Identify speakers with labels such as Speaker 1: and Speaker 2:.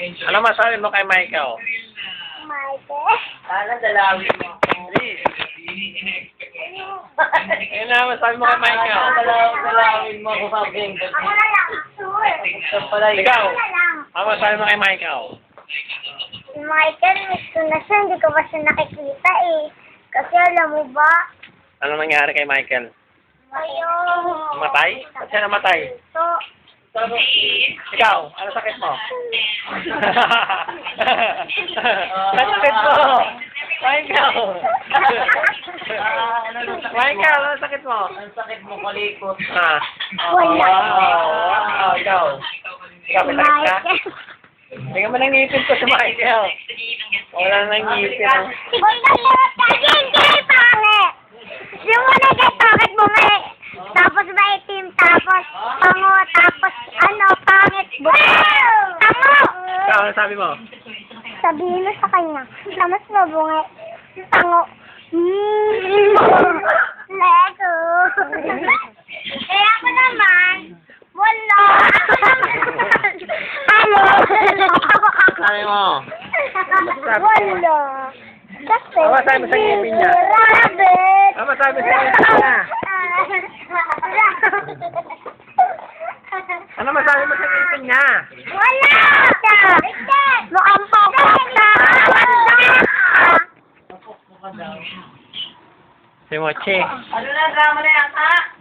Speaker 1: Ano masabi mo kay Michael?
Speaker 2: Michael?
Speaker 3: Sana dalawin mo.
Speaker 1: Ano na masabi mo kay Michael?
Speaker 3: Dalawin mo ako sabihin.
Speaker 2: Ako na lang, sure.
Speaker 1: Ikaw,
Speaker 2: Ako na lang.
Speaker 1: ano masabi mo kay Michael?
Speaker 2: Si Michael, miss ko na siya. Hindi ko pa siya nakikita eh. Kasi alam mo ba?
Speaker 1: Ano nangyari kay Michael?
Speaker 2: Ayun.
Speaker 1: Namatay? Ba't siya namatay?
Speaker 2: So,
Speaker 1: Ikaw, ano sakit mo? Ano sakit mo? Michael! Michael, ano sakit mo?
Speaker 3: Ang sakit mo kalikot.
Speaker 1: Ah.
Speaker 2: wala.
Speaker 1: Ikaw. Ikaw, may sakit ka? Tingnan mo ng ngipin ko si Michael. Wala nang ngipin.
Speaker 2: Huwag na lahat kasi hindi pangit. Yung una kay bakit bumalik. Tapos maitim, tapos pango, tapos ano, pangit. Tango!
Speaker 1: Ikaw, ano sabi mo?
Speaker 2: Sabihin mo sa kanya, na mas mabungi. Tango. Lego. Eh ako naman, wala. Ano?
Speaker 1: Sabi mo?
Speaker 2: Wala. Kasi,
Speaker 1: Ano sabi mo sa ngipin niya?
Speaker 2: rabbit.
Speaker 1: Ano sabi sa ngipin niya? Ano masabi mo sa ngipin niya?
Speaker 2: Wala! Mukhang pokok na!
Speaker 1: Si Mochi.
Speaker 3: Ano na drama na yan, ha?